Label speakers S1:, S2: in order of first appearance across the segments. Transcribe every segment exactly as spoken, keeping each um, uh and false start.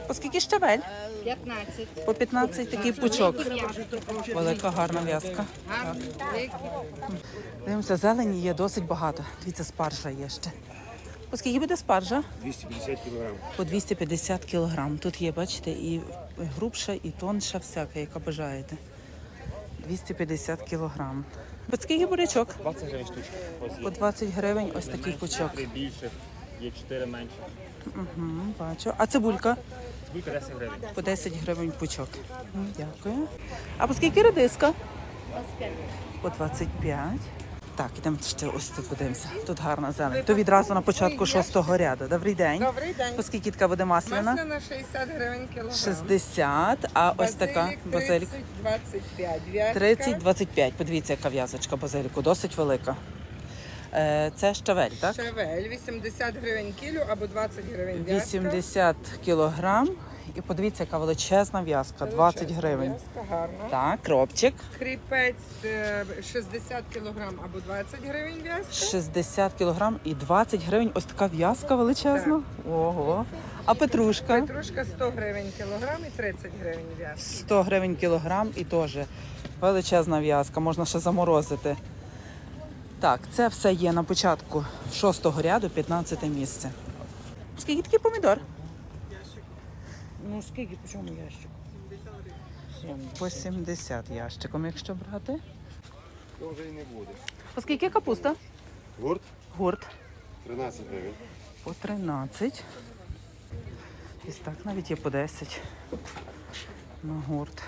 S1: Оскільки щавель?
S2: п'ятнадцять.
S1: По п'ятнадцять такий пучок. Велика гарна в'язка. Так. Дивимося, зелені є досить багато. Дивіться, спаржа є ще. Оскільки буде спаржа?
S3: двісті п'ятдесят кілограм.
S1: По двісті п'ятдесят кілограм. Тут є, бачите, і грубша, і тонша всяка, яка бажаєте. двісті п'ятдесят кілограм. Оскільки бурячок?
S3: двадцять гривень штучка.
S1: По двадцять гривень ось такий пучок.
S3: Три більше, є чотири менше.
S1: Угу, бачу. А цибулька?
S3: Цибулька десять гривень.
S1: По десять гривень пучок. М, Дякую. А по скільки редиска? По двадцять п'ять. Так, ідемо ще ось тут подивимося. Тут гарна зелень. То відразу на початку шостого ряду. Добрий день.
S4: Добрий день.
S1: По скільки така буде масляна?
S4: Масляна шістдесят гривень кілограм.
S1: шістдесят, а ось така
S4: Базилік
S1: базилік.
S4: тридцять двадцять п'ять. В'язка
S1: тридцять двадцять п'ять. Подивіться, яка в'язочка базиліку, досить велика. Е, Це щавель, так?
S4: Шавель вісімдесят гривень кілю або двадцять гривень в'язка.
S1: вісімдесят кілограм. І подивіться, яка величезна в'язка, двадцять гривень.
S4: В'язка гарна.
S1: Так, кропчик.
S4: Кріпець е, шістдесят кілограм або двадцять гривень в'язка.
S1: шістдесят кілограм і двадцять гривень. Ось така в'язка величезна. Ого. А петрушка?
S4: Петрушка сто гривень кілограм і тридцять гривень в'язка.
S1: сто гривень кілограм і теж величезна в'язка, можна ще заморозити. Так, це все є на початку шостого ряду, п'ятнадцяте місце. Скільки такий помідор?
S2: Ну скільки, по чому ящик?
S1: По сімдесят ящиком, якщо брати.
S3: То вже і не буде.
S1: По скільки капуста?
S3: Гурт
S1: Гурт.
S3: тринадцять гривень.
S1: По тринадцять. Ось так навіть є по десять на гурт.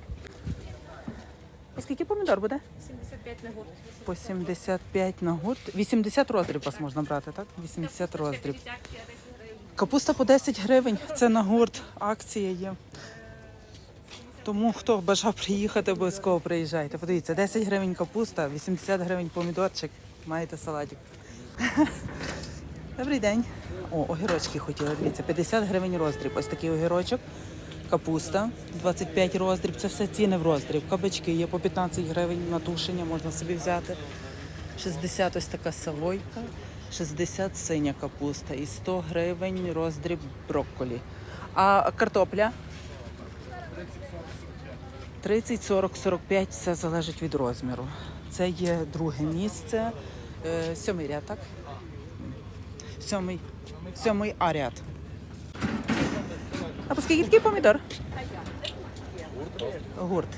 S1: По скільки помідор буде?
S2: сімдесят п'ять на гурт.
S1: По сімдесят п'ять на гурт. вісімдесят роздріб вас можна брати, так? вісімдесят роздріб. Капуста по десять гривень. Це на гурт. Акція є. Тому хто бажав приїхати, обов'язково приїжджайте. Подивіться, десять гривень капуста, вісімдесят гривень помідорчик. Маєте салатик. Добрий день. О, огірочки хотіла. Дивіться, п'ятдесят гривень роздріб. Ось такий огірочок. Капуста, двадцять п'ять роздріб. Це все ціни в роздріб. Кабачки є по п'ятнадцять гривень на тушення, можна собі взяти. шістдесят ось така савойка. шістдесят синя капуста і сто гривень роздріб брокколі. А картопля? тридцять, сорок, сорок п'ять, все залежить від розміру. Це є друге місце, е, сьомий ряд, так? Сьомий, сьомий А ряд. А по скільки такий помідор? Гурт.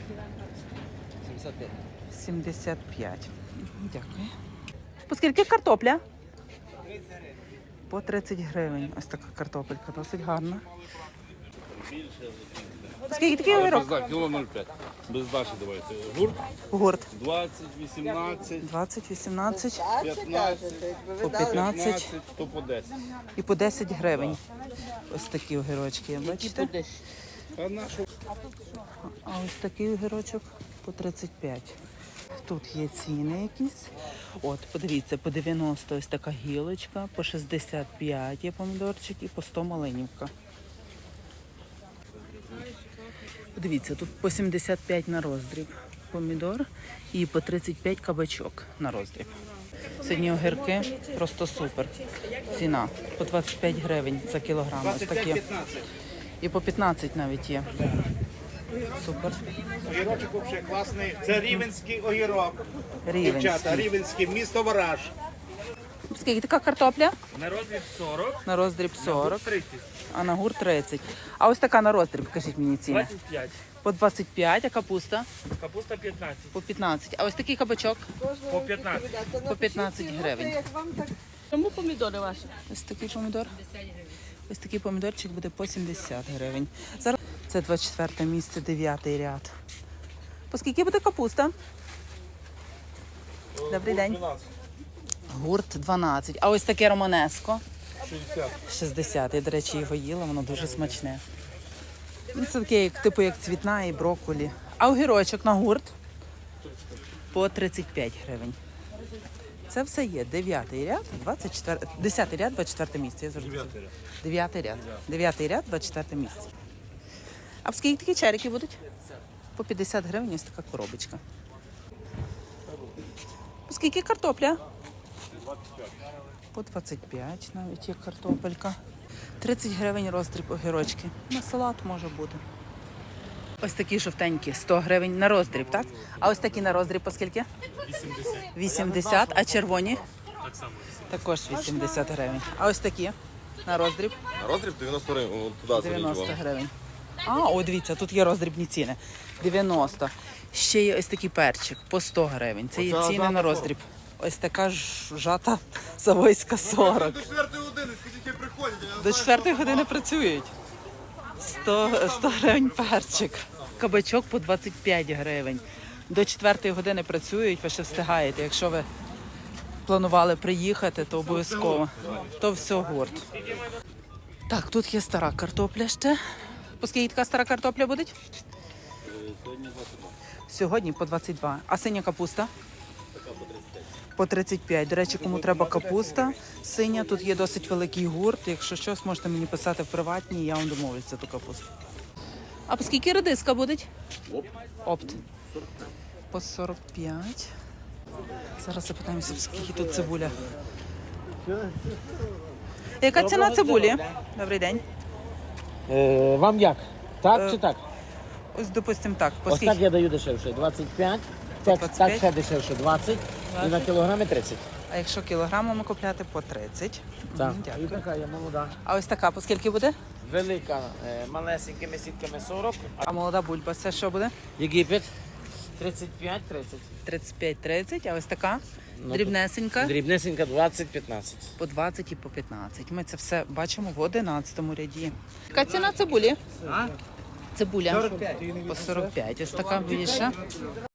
S1: сімдесят п'ять. Дякую. По скільки картопля? По тридцять гривень. Ось така картопелька, досить гарна. По скільки такий огірок?
S5: Без кіло нуль п'ять. Без дачі давайте. Гурт
S1: Гурт.
S5: двадцять, вісімнадцять,
S1: двадцять, вісімнадцять,
S5: п'ятнадцять,
S1: по п'ятнадцять
S5: п'ятнадцять, то по десять.
S1: і по десять гривень. Ось такі огірочки, бачите?
S5: А нашу
S1: А ось такий огірочок по тридцять п'ять. Тут є ціни якісь. От, подивіться, по дев'яносто ось така гілочка, по шістдесят п'ять є помідорчик і по сто малинівка. Подивіться, тут по сімдесят п'ять на роздріб помідор і по тридцять п'ять кабачок на роздріб. Сьогодні огірки просто супер. Ціна по двадцять п'ять гривень за кілограм. Ось такі. І по п'ятнадцять навіть є. Супер.
S6: Огірочок взагалі класний. Це рівенський огірок.
S1: Рівенський.
S6: Дівчата, рівенський, місто Вараж.
S1: Скільки така картопля?
S6: На розмір сорок,
S1: На роздріб сорок,
S6: тридцять,
S1: а на гурт тридцять. А ось така на роздріб, кажіть мені ціни.
S6: двадцять п'ять,
S1: По двадцять п'ять, а капуста?
S6: капуста п'ятнадцять,
S1: По п'ятнадцять. А ось такий кабачок?
S6: по п'ятнадцять.
S1: По п'ятнадцять гривень.
S2: Чому помідори ваші?
S1: Ось такий помідор. Ось такий помідорчик буде по сімдесят гривень. Зараз це двадцять четверте місце, дев'ятий ряд. По скільки буде капуста? Добрий день. Гурт дванадцять. А ось таке романеско?
S5: шістдесят.
S1: шістдесят. Я, до речі, його їла, воно дуже смачне. Ну, це таке, як, типу, як цвітна і брокколі. А огірочок на гурт? По тридцять п'ять гривень. Це все є. Дев'ятий ряд, двадцять чотири, десятий ряд, двадцять четверте місце. Я завжди забула. Дев'ятий ряд. Дев'ятий ряд, двадцять четверте місце. А скільки такі черики будуть? По п'ятдесят гривень ось така коробочка. По скільки картопля? По двадцять п'ять навіть є картопелька. тридцять гривень роздріб огірочки. На салат може бути. Ось такі жовтенькі, сто гривень на роздріб, так? А ось такі на роздріб по скільки? вісімдесят. вісімдесят, а червоні? Так само. Також вісімдесят гривень. А ось такі на роздріб?
S3: На роздріб дев'яносто гривень. Туди
S1: дев'яносто гривень. А, о, дивіться, тут є роздрібні ціни. дев'яносто. Ще є ось такий перчик по сто гривень. Це є
S3: Оце
S1: ціни
S3: жата
S1: на роздріб. Ось така ж жата Савойська сорок.
S3: До четвертої години, скільки приходять.
S1: До четвертої години працюють. сто, сто гривень перчик. Кабачок по двадцять п'ять гривень. До четвертої години працюють, ви ще встигаєте. Якщо ви планували приїхати, то обов'язково. То все гурт. Так, тут є стара картопля ще. По скільки така стара картопля буде? Сьогодні по двадцять два. А синя капуста? По тридцять п'ять. До речі, кому треба капуста синя, тут є досить великий гурт. Якщо щось, можете мені писати в приватній, я вам домовлюсь за ту капусту. А по скільки редиска буде? Опт. По сорок п'ять. Зараз запитаємося, скільки тут цибуля. Яка ціна цибулі? Добрий день.
S7: Е, вам як? Так
S1: Е,
S7: чи так?
S1: Ось, допустимо, так. По
S7: Ось так
S1: скільки?
S7: я даю дешевше. двадцять п'ять. Так,
S1: двадцять
S7: так
S1: п'ять?
S7: ще дешевше двадцять. І на кілограми тридцять.
S1: А якщо кілограмами купляти, по тридцять.
S7: Так.
S1: Мгм,
S7: І
S1: Дякую.
S7: така є молода.
S1: А ось така, по скільки буде?
S7: Велика, е, малесенькими сітками сорок.
S1: А молода бульба, це що буде?
S7: Єгипет тридцять п'ять тридцять.
S1: тридцять п'ять тридцять, а ось така
S7: Ну,
S1: дрібнесенька
S7: Дрібнесенька двадцять п'ятнадцять.
S1: по двадцять і по п'ятнадцять. Ми це все бачимо в одинадцятому ряді. Яка ціна цибулі? Цибуля по сорок п'ять. Ось така більша.